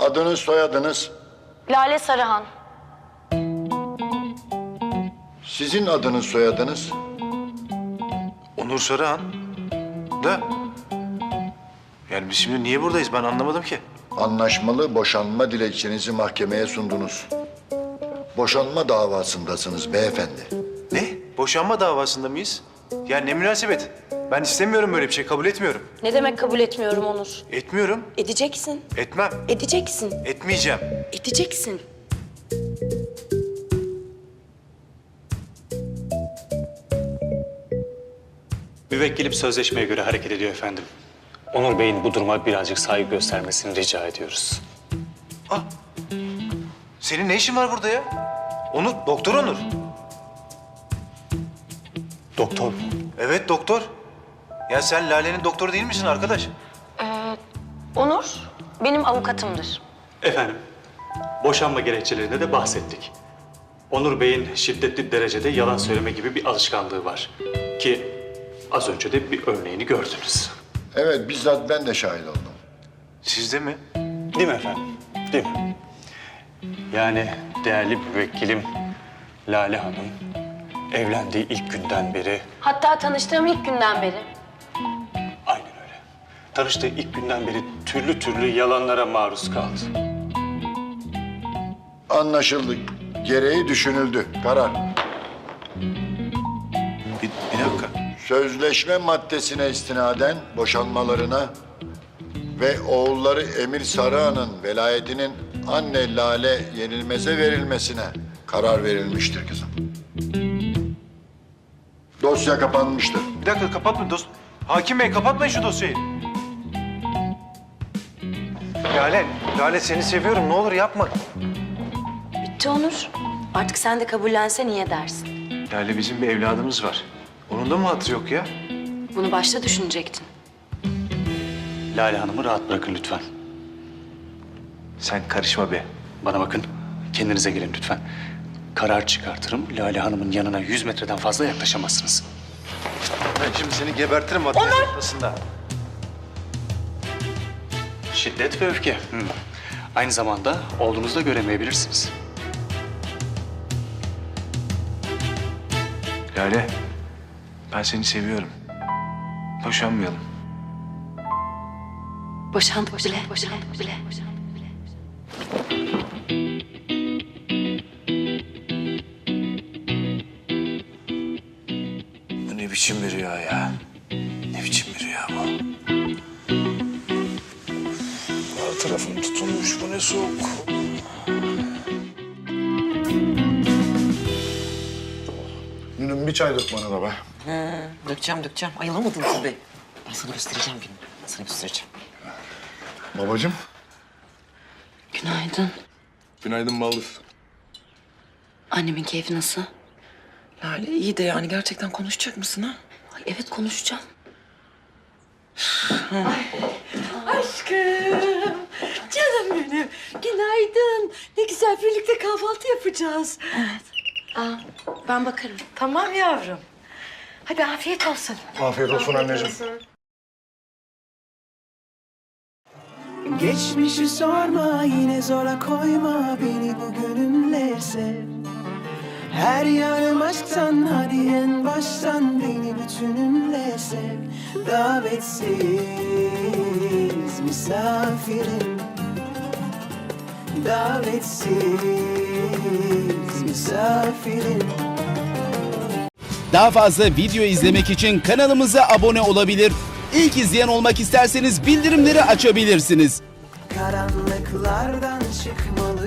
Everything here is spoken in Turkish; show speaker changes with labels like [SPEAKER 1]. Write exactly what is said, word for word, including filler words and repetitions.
[SPEAKER 1] Adınız, soyadınız?
[SPEAKER 2] Lale Sarıhan.
[SPEAKER 1] Sizin adınız, soyadınız?
[SPEAKER 3] Onur Sarıhan. Da. Yani biz şimdi niye buradayız ben anlamadım ki.
[SPEAKER 1] Anlaşmalı boşanma dilekçenizi mahkemeye sundunuz. Boşanma davasındasınız beyefendi.
[SPEAKER 3] Ne? Boşanma davasında mıyız? Ya ne münasebet. Ben istemiyorum böyle bir şey, kabul etmiyorum.
[SPEAKER 2] Ne demek kabul etmiyorum Onur?
[SPEAKER 3] Etmiyorum,
[SPEAKER 2] Edeceksin.
[SPEAKER 3] etmem,
[SPEAKER 2] Edeceksin.
[SPEAKER 3] etmeyeceğim.
[SPEAKER 2] Edeceksin.
[SPEAKER 4] Müvekkilim sözleşmeye göre hareket ediyor efendim. Onur Bey'in bu duruma birazcık saygı göstermesini rica ediyoruz.
[SPEAKER 3] Ah, senin ne işin var burada ya? Onur, doktor Onur.
[SPEAKER 4] Doktor mu?
[SPEAKER 3] Evet, doktor. Ya sen Lale'nin doktoru değil misin arkadaş?
[SPEAKER 2] Onur benim avukatımdır.
[SPEAKER 4] Efendim, boşanma gerekçelerinde de bahsettik. Onur Bey'in şiddetli derecede yalan söyleme gibi bir alışkanlığı var. Ki az önce de bir örneğini gördünüz.
[SPEAKER 1] Evet, bizzat ben de şahit oldum.
[SPEAKER 3] Siz de mi?
[SPEAKER 4] Değil mi efendim? Değil mi? Yani değerli müvekkilim Lale Hanım evlendiği ilk günden beri,
[SPEAKER 2] Hatta tanıştığım ilk günden beri.
[SPEAKER 4] aynen öyle. Tanıştığı ilk günden beri türlü türlü yalanlara maruz kaldı.
[SPEAKER 1] Anlaşıldı. Gereği düşünüldü. Karar.
[SPEAKER 3] Bir, bir dakika.
[SPEAKER 1] Sözleşme maddesine istinaden boşanmalarına ve oğulları Emir Sarıhan'ın velayetinin anne Lale Yenilmez'e verilmesine karar verilmiştir kızım. Dosya kapanmıştır.
[SPEAKER 3] Bir dakika kapatma dost. Hakim Bey kapatmayın şu dosyayı. Lale, Lale seni seviyorum. Ne olur yapma.
[SPEAKER 2] Bitti Onur. Artık sen de kabullensen iyi edersin.
[SPEAKER 3] Lale bizim bir evladımız var. Onun da mı hatırı yok ya?
[SPEAKER 2] Bunu başta düşünecektin.
[SPEAKER 4] Lale Hanım'ı rahat bırakın lütfen.
[SPEAKER 3] Sen karışma be.
[SPEAKER 4] Bana bakın, kendinize gelin lütfen. Karar çıkartırım, Lale Hanım'ın yanına yüz metreden fazla yaklaşamazsınız.
[SPEAKER 3] Ben şimdi seni gebertirim adliye noktasında.
[SPEAKER 4] Şiddet ve öfke. Hı. Aynı zamanda olduğunuzda göremeyebilirsiniz.
[SPEAKER 3] Lale, ben seni seviyorum. Boşanmayalım.
[SPEAKER 2] Boşandık bile. Boşandık bile.
[SPEAKER 3] Bu ne biçim bir rüya ya? Ne biçim bir rüya bu? Her tarafım tutulmuş, bu ne soğuk.
[SPEAKER 1] Gülüm bir çay dök bana da be.
[SPEAKER 5] He, dökeceğim dökeceğim. Ayılamadım tabii. Ben sana göstereceğim günü. Ben sana göstereceğim.
[SPEAKER 1] Babacığım.
[SPEAKER 2] Günaydın.
[SPEAKER 6] Günaydın Baldız.
[SPEAKER 2] Annemin keyfi nasıl?
[SPEAKER 5] Lale iyi de yani gerçekten konuşacak mısın ha?
[SPEAKER 2] Ay, evet konuşacağım.
[SPEAKER 7] Aşkım, canım benim. Günaydın. Ne güzel birlikte kahvaltı yapacağız.
[SPEAKER 2] Aa, ben bakarım.
[SPEAKER 7] Tamam yavrum. Hadi afiyet olsun.
[SPEAKER 1] Afiyet olsun anneciğim.
[SPEAKER 8] Geçmişi sorma yine zora koyma beni bugünümle sev. Her yanım aşktan hadi en baştan beni bütünümle sev. Davetsiz misafirim. Davetsiz misafirim.
[SPEAKER 9] Daha fazla video izlemek için kanalımıza abone olabilir. İlk izleyen olmak isterseniz bildirimleri açabilirsiniz.
[SPEAKER 8] Karanlıklardan çıkmalı.